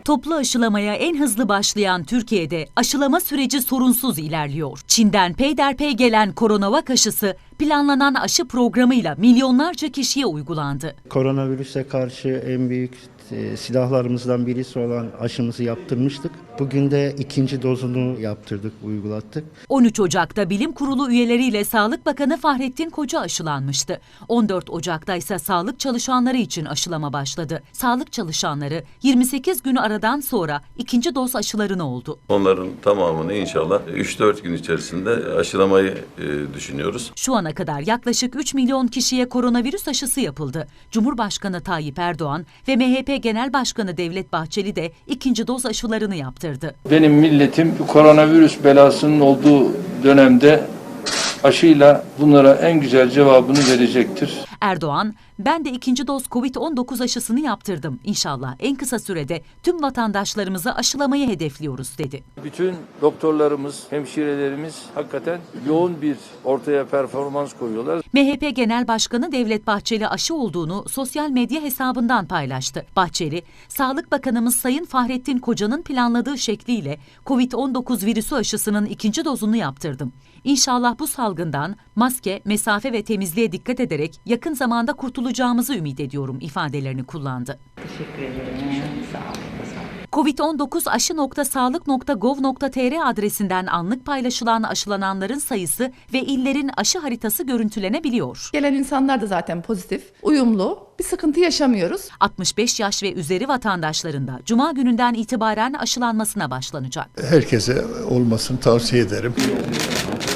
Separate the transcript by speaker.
Speaker 1: Toplu aşılamaya en hızlı başlayan Türkiye'de aşılama süreci sorunsuz ilerliyor. Çin'den peyderpey gelen Coronavac aşısı planlanan aşı programıyla milyonlarca kişiye uygulandı.
Speaker 2: Koronavirüse karşı en büyük silahlarımızdan birisi olan aşımızı yaptırmıştık. Bugün de ikinci dozunu yaptırdık, uygulattık.
Speaker 1: 13 Ocak'ta Bilim Kurulu üyeleriyle Sağlık Bakanı Fahrettin Koca aşılanmıştı. 14 Ocak'ta ise sağlık çalışanları için aşılama başladı. Sağlık çalışanları 28 gün aradan sonra ikinci doz aşılarını oldu.
Speaker 3: Onların tamamını inşallah 3-4 gün içerisinde aşılamayı düşünüyoruz.
Speaker 1: Şu ana kadar yaklaşık 3 milyon kişiye koronavirüs aşısı yapıldı. Cumhurbaşkanı Tayyip Erdoğan ve MHP Genel Başkanı Devlet Bahçeli de ikinci doz aşılarını yaptırdı.
Speaker 4: Benim milletim koronavirüs belasının olduğu dönemde aşıyla bunlara en güzel cevabını verecektir.
Speaker 1: Erdoğan, ben de ikinci doz Covid-19 aşısını yaptırdım. İnşallah en kısa sürede tüm vatandaşlarımızı aşılamayı hedefliyoruz dedi.
Speaker 4: Bütün doktorlarımız, hemşirelerimiz hakikaten yoğun bir ortaya performans koyuyorlar.
Speaker 1: MHP Genel Başkanı Devlet Bahçeli aşı olduğunu sosyal medya hesabından paylaştı. Bahçeli, Sağlık Bakanımız Sayın Fahrettin Koca'nın planladığı şekliyle Covid-19 virüsü aşısının ikinci dozunu yaptırdım. İnşallah bu salgından maske, mesafe ve temizliğe dikkat ederek yakın zamanda kurtulacağımızı ümit ediyorum ifadelerini kullandı.
Speaker 5: Teşekkür ederim. Sağ olun.
Speaker 1: covid19aşı.sağlık.gov.tr adresinden anlık paylaşılan aşılananların sayısı ve illerin aşı haritası görüntülenebiliyor.
Speaker 6: Gelen insanlar da zaten pozitif, uyumlu, bir sıkıntı yaşamıyoruz.
Speaker 1: 65 yaş ve üzeri vatandaşların da Cuma gününden itibaren aşılanmasına başlanacak.
Speaker 7: Herkese olmasını tavsiye ederim.